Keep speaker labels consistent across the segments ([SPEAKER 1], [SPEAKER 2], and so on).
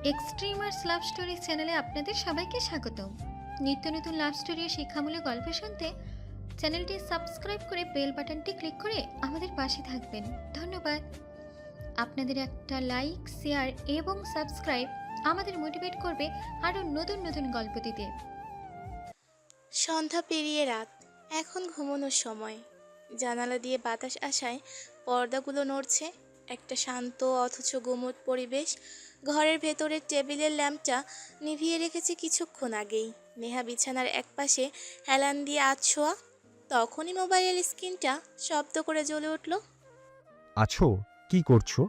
[SPEAKER 1] Extremers love story চ্যানেলে আপনাদের সবাইকে স্বাগতম। নিত্য নতুন লাভ স্টোরি ও শিক্ষামূলক গল্প শুনতে চ্যানেলটি সাবস্ক্রাইব করে বেল বাটনটি ক্লিক করে আমাদের পাশে থাকবেন। ধন্যবাদ। আপনাদের একটা লাইক, শেয়ার এবং সাবস্ক্রাইব আমাদের মোটিভেট করবে আরও নতুন নতুন গল্প দিতে।
[SPEAKER 2] সন্ধ্যা পেরিয়ে রাত, এখন ঘুমানোর সময়। জানালা দিয়ে বাতাস আসায় পর্দাগুলো নড়ছে। একটা শান্ত অথচ গুমোট পরিবেশ। ঘরের ভেতরের টেবিলের ল্যাম্পটা নিভিয়ে রেখেছে কিছুক্ষণ আগেই। নেহা বিছানার একপাশে হেলান দিয়ে আছোয়া। তখনই মোবাইলের স্ক্রিনটা শব্দ করে জ্বলে উঠল।
[SPEAKER 3] আছো? কি করছো?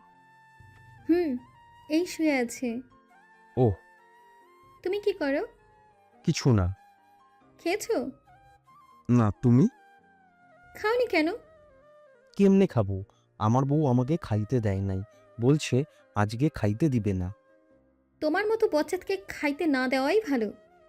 [SPEAKER 1] এই শুয়ে আছে।
[SPEAKER 3] ওহ,
[SPEAKER 1] তুমি কি করো?
[SPEAKER 3] কিছু না।
[SPEAKER 1] খেয়েছো?
[SPEAKER 3] না, তুমি?
[SPEAKER 1] খাওনি কেন?
[SPEAKER 3] কেমনে খাবো? আমার বউ আমাকে খাইতে দেয় নাই, বলছে আজকে খাইতে দিবে না।
[SPEAKER 1] তোমার মতো বাচ্চাকে খাইতে না দেওয়াই ভালো।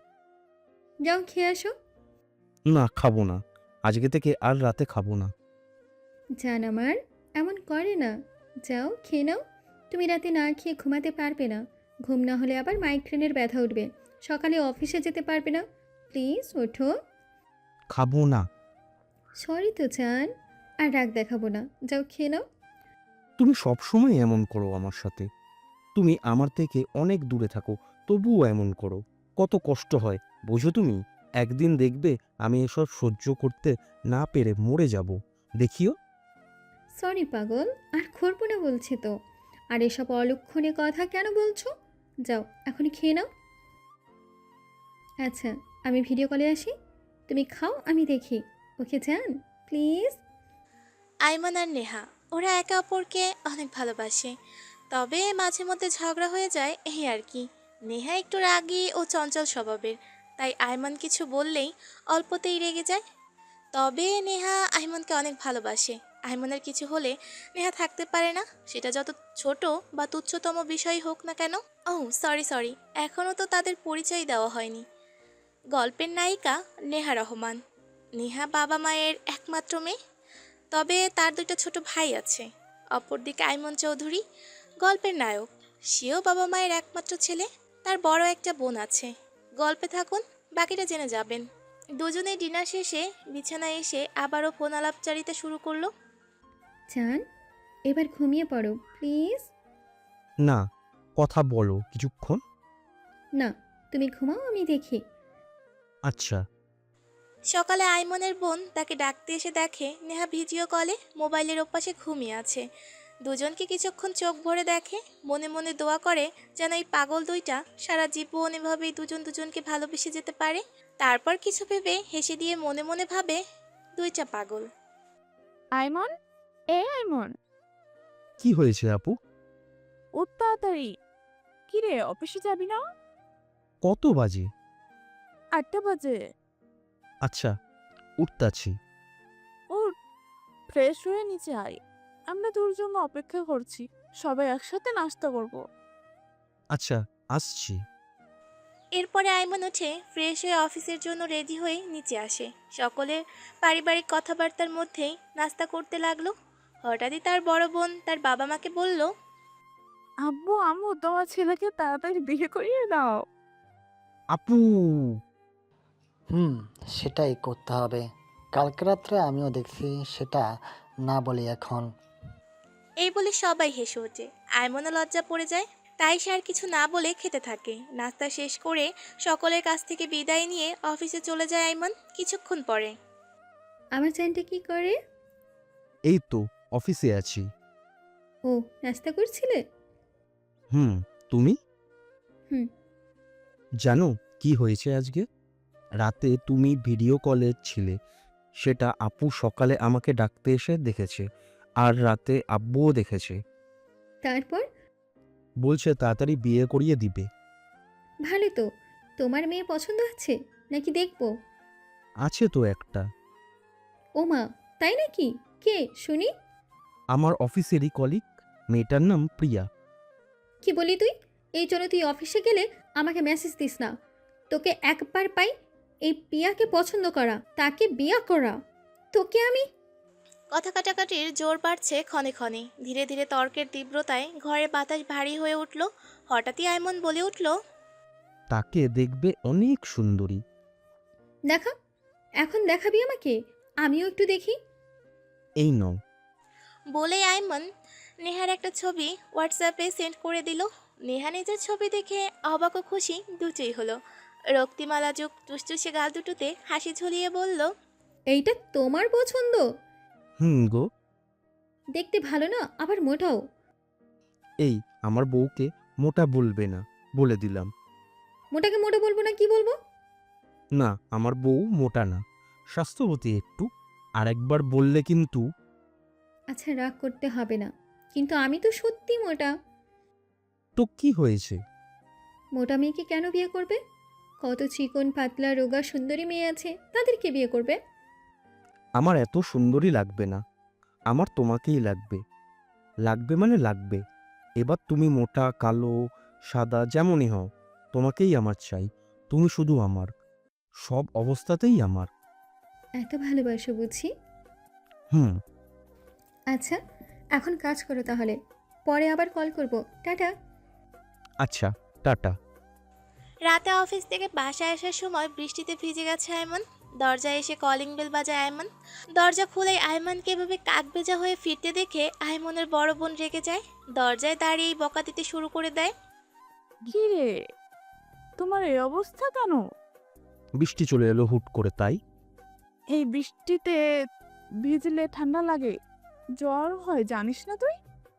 [SPEAKER 1] যাও খেয়ে আসো।
[SPEAKER 3] না, খাবো না। আজকে থেকে আর রাতে খাবো না।
[SPEAKER 1] জান আমার এমন করে না। যাও খেয়ে নাও। তুমি রাতে না খেয়ে ঘুমাতে পারবে না। ঘুম না হলে আবার মাইগ্রেনের ব্যথা উঠবে। সকালে অফিসে যেতে পারবে না। প্লিজ ওঠো।
[SPEAKER 3] খাবো না।
[SPEAKER 1] সরি তো জান, আর রাগ দেখাবো না। যাও খেয়ে নাও।
[SPEAKER 3] তুমি সবসময় এমন করো আমার সাথে। তুমি আমার থেকে অনেক দূরে থাকো, তবুও এমন করো। কত কষ্ট হয় বোঝো তুমি? একদিন দেখবে আমি এসব সহ্য করতে না পেরে মরে যাব। দেখিও।
[SPEAKER 1] সরি পাগল, আর করবো না বলছি তো। আর এসব অলক্ষণে কথা কেন বলছো? যাও এখনই খেয়ে নাও। আচ্ছা, আমি ভিডিও কলে আসি। তুমি খাও, আমি দেখি। ওকে জান, প্লিজ।
[SPEAKER 2] আইমান আর নেহা ওরা একে অপরকে অনেক ভালোবাসে, তবে মাঝে মধ্যে ঝগড়া হয়ে যায়, এই আর কি। নেহা একটু রাগী ও চঞ্চল স্বভাবের, তাই আইমান কিছু বললেই অল্পতেই রেগে যায়। তবে নেহা আইমানকে অনেক ভালোবাসে। আইমানের কিছু হলে নেহা থাকতে পারে না, সেটা যত ছোট বা তুচ্ছতম বিষয় হোক না কেন। ও সরি সরি, এখনও তো তাদের পরিচয় দেওয়া হয়নি। গল্পের নায়িকা নেহা রহমান। নেহা বাবা মায়ের একমাত্র মেয়ে, তবে তার দুটো ছোট ভাই আছে। অপরদিকে আইমন চৌধুরী, গল্পের নায়ক। সেও বাবা মায়ের একমাত্র ছেলে। তার বড় একটা বোন আছে। গল্পে থাকুন, বাকিটা জেনে যাবেন। দুজনেই ডিনার শেষে বিছানায় এসে আবারও ফোন আলাপচারিতা শুরু করলো।
[SPEAKER 1] জান, এবার ঘুমিয়ে পড়ো প্লিজ।
[SPEAKER 3] না, কথা বলো কিছুক্ষণ।
[SPEAKER 1] না, তুমি ঘুমাও, আমি দেখি।
[SPEAKER 3] আচ্ছা।
[SPEAKER 2] সকালে আইমনের বোন তাকে ডাকতে এসে দেখে নেহা ভিডিও কলে মোবাইলের ওপাশে ঘুমিয়ে আছে। দুজনকে কিছুক্ষণ চোখ ভরে দেখে, মনে মনে দোয়া করে যেন এই পাগল দুইটা সারা জীবন এভাবেই দুজন দুজনকে ভালোবেসে যেতে পারে। তারপর কিছু ভেবে হেসে দিয়ে মনে মনে ভাবে, দুইটা পাগল।
[SPEAKER 4] আইমন, আইমন,
[SPEAKER 3] কি হয়েছে আপু?
[SPEAKER 4] উঠ তাড়াতাড়ি। কিরে, অফিসে যাবি না?
[SPEAKER 3] কত বাজে?
[SPEAKER 4] 8টা বাজে।
[SPEAKER 3] আচ্ছা, উঠতাছি।
[SPEAKER 4] উঠ, ফ্রেশ হয়ে নিচে আয়। আমরা তোর জন্য অপেক্ষা করছি। সবাই একসাথে নাস্তা করব।
[SPEAKER 3] আচ্ছা, আসছি।
[SPEAKER 2] এরপরে আইমন উঠে ফ্রেশ হয়ে অফিসের জন্য রেডি হয়ে নিচে আসে। সকলের পারিবারিক কথাবার্তার মধ্যেই নাস্তা করতে লাগলো। হঠাৎই তার বড় বোন তার বাবা মাকে বলল,
[SPEAKER 4] আব্বু আম্মু, তোমার ছেলেকে তাড়াতাড়ি বিয়ে করিয়ে দাও।
[SPEAKER 3] আপু!
[SPEAKER 5] হুম, সেটাই করতে হবে। কালকে রাত্রে আমিও দেখছি সেটা, না বলি এখন।
[SPEAKER 2] এই বলে সবাই হেসে ওঠে। আইমনও লজ্জা পড়ে যায়, তাই সে আর কিছু না বলে খেতে থাকে। নাস্তা শেষ করে সকলের কাছ থেকে বিদায় নিয়ে অফিসে চলে যায় আইমন। কিছুক্ষণ পরে
[SPEAKER 1] আমার জানটা কি করে?
[SPEAKER 3] এই তো অফিসে আছি।
[SPEAKER 1] ও, নাস্তা করছিলে?
[SPEAKER 3] হুম। তুমি?
[SPEAKER 1] হুম।
[SPEAKER 3] জানো কি হয়েছে আজকে? রাতে তুমি ভিডিও কলে ছিলে, সেটা আপু সকালে আমাকে ডাকতে এসে দেখেছে। আর রাতে আব্বুও দেখেছে।
[SPEAKER 1] তারপর?
[SPEAKER 3] বলছে তাড়াতাড়ি বিয়ে করিয়ে দিবে।
[SPEAKER 1] ভালো তো। তোমার মেয়ে পছন্দ আছে নাকি দেখবো?
[SPEAKER 3] আছে তো একটা।
[SPEAKER 1] ও মা, তাই নাকি? কে শুনি?
[SPEAKER 3] আমার অফিসেরই কলিগ, মেয়েটার নাম প্রিয়া।
[SPEAKER 1] কি বলি তুই? এই জন্য তুই অফিসে গেলে আমাকে মেসেজ দিস না। তোকে একবার পাই এই পিয়াকে পছন্দ করা, তাকে বিয়া করা। তোকে আমি
[SPEAKER 2] কথা কাটাকাটির জোর বাড়ছে ক্ষণে ক্ষণে। ধীরে ধীরে তর্কের তীব্রতায় ঘরের বাতাস ভারী হয়ে উঠল। হঠাৎই আইমন বলে উঠল,
[SPEAKER 3] তাকে দেখবে অনেক সুন্দরী।
[SPEAKER 1] দেখা, এখন দেখাবি আমাকে, আমিও একটু দেখি।
[SPEAKER 3] এই নাও।
[SPEAKER 2] বলেই আইমন নেহার একটা ছবি হোয়াটসঅ্যাপে সেন্ড করে দিল। নেহা নিজের ছবি দেখে অবাক ও খুশি দুটোই হলো। রক্তিমালাযুক টুসটুসে গাল দুটোতে হাসি ঝুলিয়ে বলল,
[SPEAKER 1] এইটা তোমার পছন্দ?
[SPEAKER 3] গো।
[SPEAKER 1] দেখতে ভালো না, আবার মোটাও।
[SPEAKER 3] এই, আমার বউকে মোটা বলবে না, বলে দিলাম।
[SPEAKER 1] মোটাকে মোটা বলবো না কি বলবো?
[SPEAKER 3] না, আমার বউ মোটা না, স্বাস্থ্যবতী একটু। আর একবার বললে কিন্তু।
[SPEAKER 1] আচ্ছা, রাগ করতে হবে না, কিন্তু আমি তো সত্যি মোটা।
[SPEAKER 3] তো কি হয়েছে?
[SPEAKER 1] মোটা মেয়েকে কেন বিয়ে করবে? কত চিকন পাতলা রোগা সুন্দরী মেয়ে আছে, তাদেরকে বিয়ে করবে।
[SPEAKER 3] আমার এত সুন্দরী লাগবে না, আমার তোমাকেই লাগবে। লাগবে মানে লাগবে। এবার তুমি মোটা, কালো, সাদা যেমনই হও, তোমাকেই আমার চাই। তুমি শুধু আমার, সব অবস্থাতেই আমার।
[SPEAKER 1] এত ভালোবাসো বুঝি?
[SPEAKER 3] হুম।
[SPEAKER 1] আচ্ছা, এখন কাজ করো তাহলে, পরে আবার কল করব। টাটা।
[SPEAKER 3] আচ্ছা, টাটা।
[SPEAKER 2] রাতে অফিস থেকে বাসায় আসার সময় বৃষ্টিতে ভিজে গেছে আয়মান। দরজায় এসে কলিং বেল বাজায় আয়মান। দরজা খুলেই আয়মানকে এভাবে কাকভেজা হয়ে ফিরতে দেখে আয়মনের বড় বোন রেগে যায়। দরজায় দাঁড়িয়েই বকা দিতে শুরু করে দেয়।
[SPEAKER 4] কি রে, তোমার এই অবস্থা কেন?
[SPEAKER 3] বৃষ্টি চলে এলো হুট করে, তাই।
[SPEAKER 4] এই বৃষ্টিতে ভিজলে ঠান্ডা লাগে, জ্বর হয়, জানিস না তুই?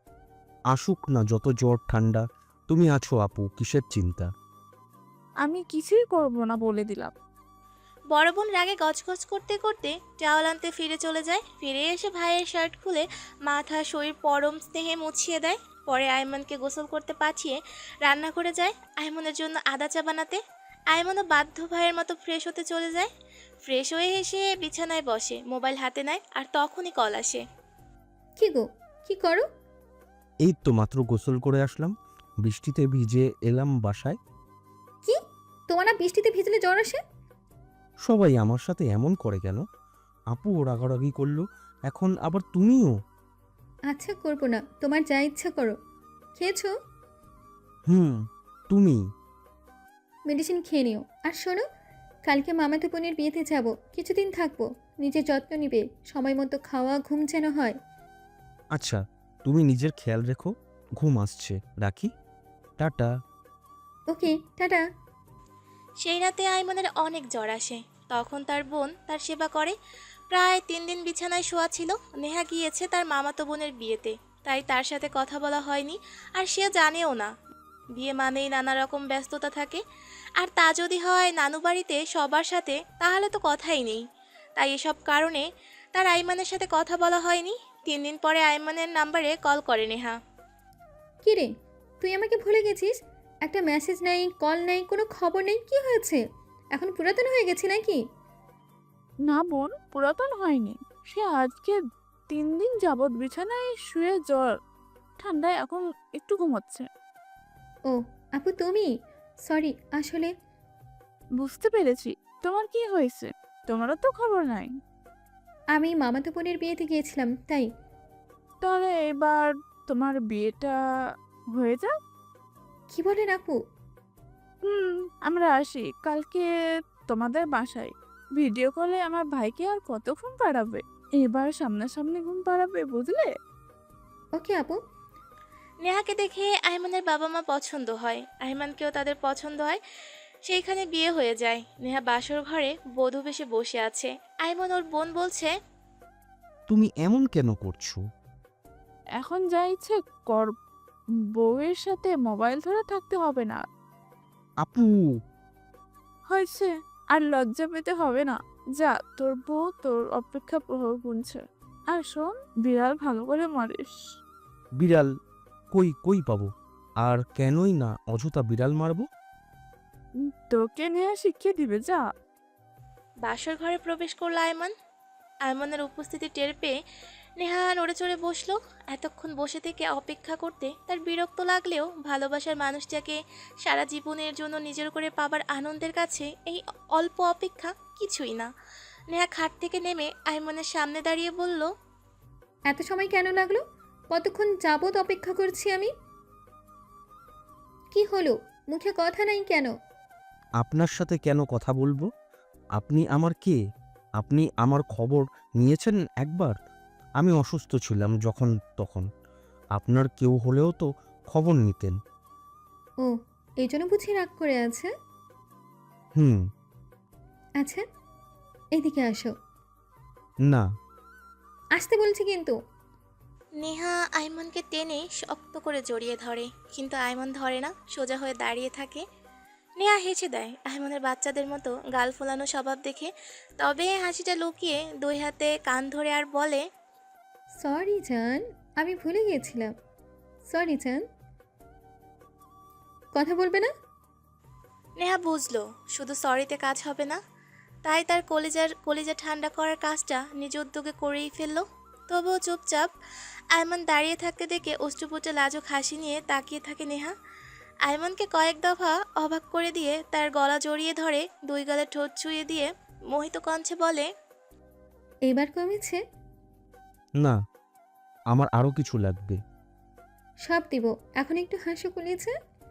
[SPEAKER 3] আসুক না যত জ্বর ঠান্ডা, তুমি আছো আপু, কিসের চিন্তা?
[SPEAKER 4] আমি কিছুই করব না বলে দিলাম।
[SPEAKER 2] বড় বোন রাগে গজগজ করতে করতে টাওয়াল আনতে ফিরে চলে যায়। ফিরে এসে ভাইয়ের শার্ট খুলে মাথা শরীর পরম স্নেহে মুছিয়ে দেয়। পরে আয়মনকে গোসল করতে পাঠিয়ে রান্না করে যায় আয়মনের জন্য আদা চা বানাতে। আয়মনও বাধ্য ভাইয়ের মতো ফ্রেশ হতে চলে যায়। ফ্রেশ হয়ে এসে বিছানায় বসে, মোবাইল হাতে নেয়, আর তখনই কল আসে।
[SPEAKER 1] কি গো, কি করো?
[SPEAKER 3] এই তো মাত্র গোসল করে আসলাম, বৃষ্টিতে ভিজে এলাম বাসায়।
[SPEAKER 1] কি, তোমার না বৃষ্টিতে ভিজলে জ্বর আসে?
[SPEAKER 3] সবাই আমার সাথে এমন করে কেন? আপু রাগারাগি করলো, এখন আবার তুমিও।
[SPEAKER 1] আচ্ছা, করবো না, তোমার যা ইচ্ছা করো। খেয়েছো?
[SPEAKER 3] তুমি।
[SPEAKER 1] মেডিসিন খেয়ে নিও। আর শোনো, কালকে মামাতো বোনের বিয়েতে যাব, কিছুদিন থাকবো। নিজের যত্ন নিবে, সময় মতো খাওয়া ঘুম যেন হয়।
[SPEAKER 3] আচ্ছা, তুমি নিজের খেয়াল রেখো, ঘুম আসছে, রাখি। টাটা।
[SPEAKER 1] Okay, tata.
[SPEAKER 2] সেই রাতে আইমনের অনেক জ্বর আসে। তখন তার বোন তার সেবা করে। প্রায় 3 দিন বিছানায় শোয়া ছিল। নেহা গিয়েছে তার মামাতো বোনের বিয়েতে, তাই তার সাথে কথা বলা হয়নি। আর সে জানেও না, বিয়ে মানেই নানা রকম ব্যস্ততা থাকে। আর তা যদি হয় নানু বাড়িতে সবার সাথে, তাহলে তো কথাই নেই। তাই এসব কারণে তার আইমানের সাথে কথা বলা হয়নি। 3 দিন পরে আইমানের নাম্বারে কল করে নেহা।
[SPEAKER 1] কি রে, তুই আমাকে ভুলে গেছিস? একটা মেসেজ নাই, কল নাই, কোনো খবর নেই, কি হয়েছে? এখন পুরাতন হয়ে গেছি নাকি?
[SPEAKER 4] না বোন, পুরাতন হয়নি। সে আজকে 3 দিন যাবৎ বিছানায় শুয়ে জ্বর ঠান্ডায় এখন একটু ঘুমোচ্ছে।
[SPEAKER 1] ও, আপু তুমি? সরি, আসলে
[SPEAKER 4] বুঝতে পেরেছি। তোমার কি হয়েছে? তোমারও তো খবর নাই।
[SPEAKER 1] আমি মামাতো বোনের বিয়েতে গিয়েছিলাম, তাই।
[SPEAKER 4] তাহলে এবার তোমার বিয়েটা হয়ে যাক।
[SPEAKER 1] কি বলেন আপু?
[SPEAKER 4] হুম, আমরা আসি কালকে তোমাদের বাসায়। ভিডিও কলে আমার ভাইকে আর কত ঘুম পাড়াবে, এবার সামনাসামনি ঘুম পাড়াবে, বুঝলে?
[SPEAKER 1] ওকে আপু।
[SPEAKER 2] নেহাকে দেখে আইমানের বাবা মা পছন্দ হয়, আইমানকেও তাদের পছন্দ হয়। সেইখানে বিয়ে হয়ে যায়। নেহা বাসর ঘরে বধূ বেশে বসে আছে। আইমন ওর বোন বলছে,
[SPEAKER 3] তুমি এমন কেন করছো?
[SPEAKER 4] এখন যা ইচ্ছে কর, বউয়ের সাথে মোবাইল ধরে থাকতে হবে না।
[SPEAKER 3] আপু।
[SPEAKER 4] হয়েছে, আর লজ্জা পেতে হবে না। যা, তোর বউ তোর অপেক্ষা প্রহর গুনছে। আর শোন, বিড়াল ভালো করে মারিস।
[SPEAKER 3] বিড়াল? কই কই পাবো? আর কেনই না অযথা বিড়াল মারবো?
[SPEAKER 4] তোকে নিয়ে শিখিয়ে দিবে, যা।
[SPEAKER 2] বাসর ঘরে প্রবেশ করলো আয়মান। আয়মানের উপস্থিতি টের পেয়ে নেহা নড়ে চড়ে বসলো। এতক্ষণ বসে থেকে অপেক্ষা করতে তার বিরক্ত লাগলেও ভালোবাসার মানুষটাকে সারা জীবনের জন্য নিজের করে পাবার আনন্দের কাছে এই অল্প অপেক্ষা কিছুই না। নেহা খাট থেকে নেমে আয়মানের সামনে দাঁড়িয়ে বলল,
[SPEAKER 1] এত সময় কেন লাগলো? কতক্ষণ যাবত অপেক্ষা করছি আমি। কি হলো? মুখে কথা নাই কেন?
[SPEAKER 3] আপনার সাথে কেন কথা বলবো? আপনি আমার কে? আপনি আমার খবর নিয়েছেন একবার? আমি অসুস্থ ছিলাম যখন তখন। আপনার কেউ হলেও তো খবর নিতেন।
[SPEAKER 1] ও, এই জন্য বুঝি রাগ করে আছে?
[SPEAKER 3] হুম।
[SPEAKER 1] আচ্ছা, এদিকে আসো।
[SPEAKER 3] না।
[SPEAKER 1] আসতে বলছি কিন্তু।
[SPEAKER 2] নেহা আইমনকে টেনে শক্ত করে জড়িয়ে ধরে, কিন্তু আইমন ধরে না, সোজা হয়ে দাঁড়িয়ে থাকে। নেহা হেসে দেয় আইমনের বাচ্চাদের মতো গাল ফোলানো স্বভাব দেখে, তবে হাসিটা লুকিয়ে দুই হাতে কান ধরে আর বলে,
[SPEAKER 1] সরি জান, আমি ভুলে গিয়েছিলাম। সরি জান। কথা বলবে না?
[SPEAKER 2] নেহা বুঝলো শুধু সরিতে কাজ হবে না, তাই তার কলিজা ঠান্ডা করার কাজটা নিজ উদ্যোগে করেই ফেললো। তবুও চুপচাপ আয়মান দাঁড়িয়ে থাকতে দেখে অষ্টপুটে লাজুক হাসি নিয়ে তাকিয়ে থাকে নেহা। আয়মনকে কয়েক দফা অবাক করে দিয়ে তার গলা জড়িয়ে ধরে, দুই গালে ঠোঁট ছুঁয়ে দিয়ে মোহিত কণ্ঠে বলে,
[SPEAKER 1] এবার কমেছে?
[SPEAKER 3] না, আমার আরো কিছু লাগবে।
[SPEAKER 1] সব দিব, এখন একটু হাসি কুলিয়েছে।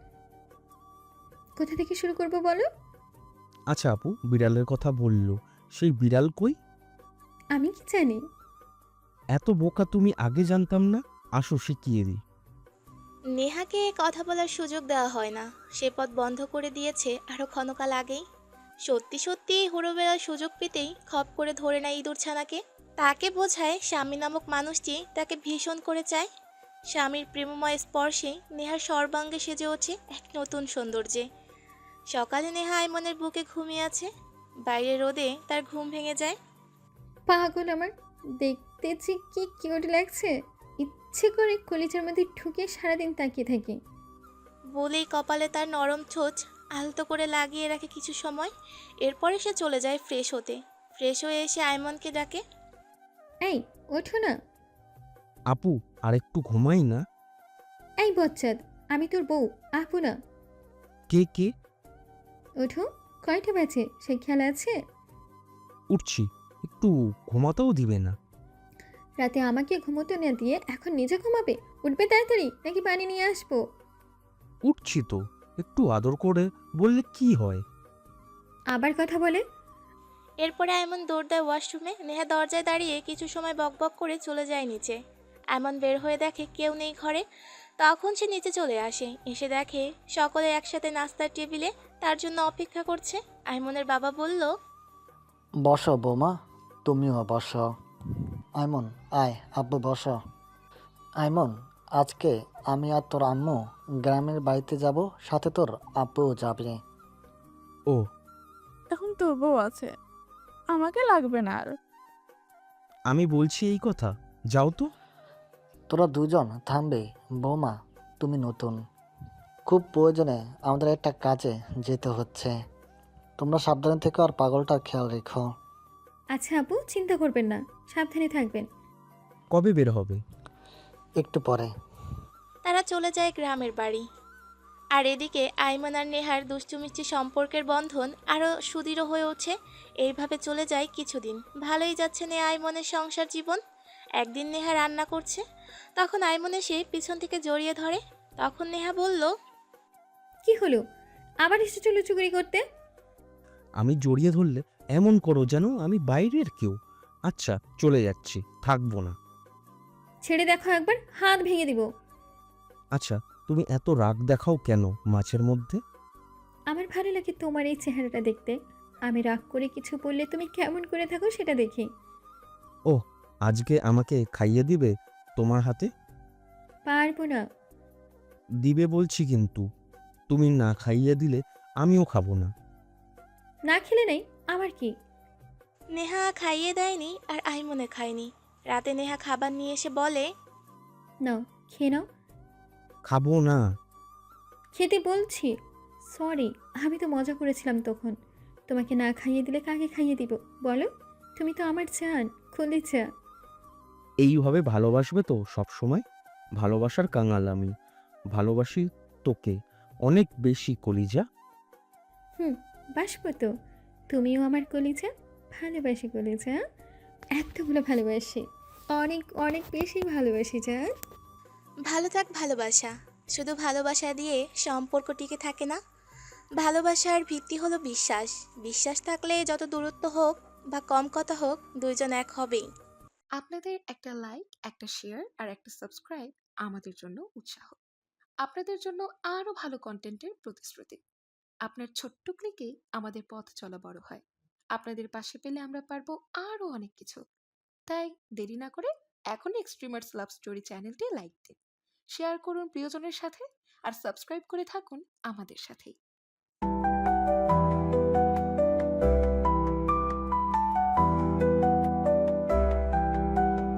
[SPEAKER 1] কোথা থেকে শুরু করব বলো?
[SPEAKER 3] আচ্ছা আপু, বিড়ালের কথা বললো, সেই বিড়াল কই?
[SPEAKER 1] আমি কি জানি?
[SPEAKER 3] এত বোকা তুমি, আগে জানতাম না। আসো শিখিয়ে দিই।
[SPEAKER 2] নেহাকে কথা বলার সুযোগ দেওয়া হয় না, সে পথ বন্ধ করে দিয়েছে আরও ক্ষণকাল আগেই। সত্যি সত্যি হুড়ো বেড়ার সুযোগ পেতেই খপ করে ধরে নেয় ইঁদুর ছানাকে। তাকে বোঝায় স্বামী নামক মানুষটি তাকে ভীষণ করে চায়। স্বামীর প্রেমময় স্পর্শে নেহার সর্বাঙ্গে সেজে ওঠে এক নতুন সৌন্দর্যে। সকালে নেহা আইমনের বুকে ঘুমিয়ে আছে, বাইরে রোদে তার ঘুম ভেঙে যায়।
[SPEAKER 1] পাগল আমার, দেখতে যে কি কিউট লাগছে। ইচ্ছে করে কলিজার মধ্যে ঢুকে সারাদিন তাকিয়ে থাকি।
[SPEAKER 2] বলেই কপালে তার নরম ঠোঁট আলতো করে লাগিয়ে রাখে কিছু সময়। এরপরে সে চলে যায় ফ্রেশ হতে। ফ্রেশ হয়ে এসে আইমনকে ডাকে।
[SPEAKER 1] এই, ওঠো না।
[SPEAKER 3] আপু, আরেকটু ঘুমাই না।
[SPEAKER 1] এই বচ্চাদ, আমি তোর বউ, আপু না।
[SPEAKER 3] কে কে?
[SPEAKER 1] ওঠো, কয়টা বাজে সে খেয়াল আছে?
[SPEAKER 3] উঠছি, একটু ঘুমাতেও দিবে না।
[SPEAKER 1] রাতে আমাকে ঘুমোতে না দিয়ে এখন নিজে ঘুমাবে? উঠবে তাড়াতাড়ি, নাকি পানি নিয়ে আসবো?
[SPEAKER 3] উঠছি তো, একটু আদর করে বললে কি হয়?
[SPEAKER 1] আবার কথা বলে?
[SPEAKER 2] এরপরে আইমন দৌড় দেয় ওয়াশরুমে। নেহা দরজায় দাঁড়িয়ে কিছু সময় বকবক করে চলে যায় নিচে। আইমন বের হয়ে দেখে কেউ নেই ঘরে। তখন সে নিচে চলে আসে, এসে দেখে সকলে একসাথে নাস্তার টেবিলে তার জন্য অপেক্ষা করছে। আইমনের বাবা বলল,
[SPEAKER 5] বসো বৌমা, তুমিও বসো। আইমন, আয় আব্বু বসো। আইমন, আজকে আমি আর তোর আম্মু গ্রামের বাড়িতে যাব, সাথে তোর আব্বুও যাবে।
[SPEAKER 3] ও,
[SPEAKER 4] এখন তোর বউ আছে, আমাকে লাগবে না আর।
[SPEAKER 3] আমি বলছি এই কথা, যাও তো।
[SPEAKER 5] তোরা দুজন থামবে? বৌমা, তুমি নতুন, খুব প্রয়োজনে আমাদের একটা কাজে যেতে হচ্ছে। তোমরা সাবধানে থেকো আর পাগলটার খেয়াল রেখো।
[SPEAKER 1] আচ্ছা আপু, চিন্তা করবেন না, সাবধানে থাকবেন।
[SPEAKER 3] কবে বের হবে?
[SPEAKER 5] একটু পরে।
[SPEAKER 2] তারা চলে যায় গ্রামের বাড়ি। আর এদিকে আইমন আর নেহার দুষ্টুমিষ্টি সম্পর্কের বন্ধন আরও সুদৃঢ় হয়ে ওঠে। এইভাবে চলে যায় কিছুদিন। ভালোই যাচ্ছে নেহা আইমনের সংসার জীবন। একদিন নেহা রান্না করছে, তখন আইমন এসে পিছন থেকে জড়িয়ে ধরে। তখন নেহা বলল,
[SPEAKER 1] কি হলো? আবার এসেছো লুচুগুড়ি করতে?
[SPEAKER 3] আমি জড়িয়ে ধরলে এমন করো যেন আমি বাইরের কেউ। আচ্ছা, চলে যাচ্ছি, থাকবো না।
[SPEAKER 1] ছেড়ে দেখো একবার, হাত ভেঙে দিব।
[SPEAKER 3] আচ্ছা, তুমি এত রাগ দেখাও কেন মাঝের মধ্যে?
[SPEAKER 1] আমার ভালো লাগে তোমার এই চেহারাটা দেখতে। আমি রাগ করে কিছু বললে তুমি কেমন করে থাকো সেটা দেখি।
[SPEAKER 3] ও, আজকে আমাকে খাইয়ে দিবে তোমার হাতে?
[SPEAKER 1] পারবো না।
[SPEAKER 3] দিবে বলছি কিন্তু। তুমি না খাইয়ে দিলে আমিও খাবো না।
[SPEAKER 1] না খেলে নেই, আমার কি?
[SPEAKER 2] নেহা খাইয়ে দেয়নি আর আইমনে খায়নি। রাতে নেহা খাবার নিয়ে এসে বলে,
[SPEAKER 1] নাও, খেয়ে নাও।
[SPEAKER 3] খাবো না।
[SPEAKER 1] খেতে বলছি। সরি, আমি তো মজা করেছিলাম তখন। তোমাকে না খাইয়ে দিলে কাকে খাইয়ে দিব বলো? তুমি তো আমার জান, কলিজা।
[SPEAKER 3] এইভাবে ভালোবাসবে তো সব সময়? ভালোবাসার কাঙাল আমি, ভালোবাসি তোকে অনেক বেশি কলিজা।
[SPEAKER 1] হুম, বাসবো তো। তুমিও আমার কলিজা। ভালোবাসি কলিজা, এতগুলো ভালোবাসি। অনেক অনেক বেশি ভালোবাসি জান।
[SPEAKER 2] ভালো থাক ভালোবাসা, শুধু ভালোবাসা দিয়ে সম্পর্ক টিকে থাকে না। ভালোবাসার ভিত্তি হলো বিশ্বাস। বিশ্বাস থাকলে যত দূরত্ব হোক বা কম কথা হোক, দুইজন এক হবেই।
[SPEAKER 6] আপনাদের একটা লাইক, একটা শেয়ার আর একটা সাবস্ক্রাইব আমাদের জন্য উৎসাহ। আপনাদের জন্য আরো ভালো কন্টেন্টের প্রতিশ্রুতি। আপনার ছোট্ট ক্লিকেই আমাদের পথ চলা বড় হয়। আপনাদের পাশে পেলে আমরা পারবো আরো অনেক কিছু। তাই দেরি না করে এখনই এক্সট্রিমার্স লাভ স্টোরি চ্যানেলটি লাইক দিন, শেয়ার করুন প্রিয়জনের সাথে, আর সাবস্ক্রাইব করে থাকুন আমাদের সাথেই।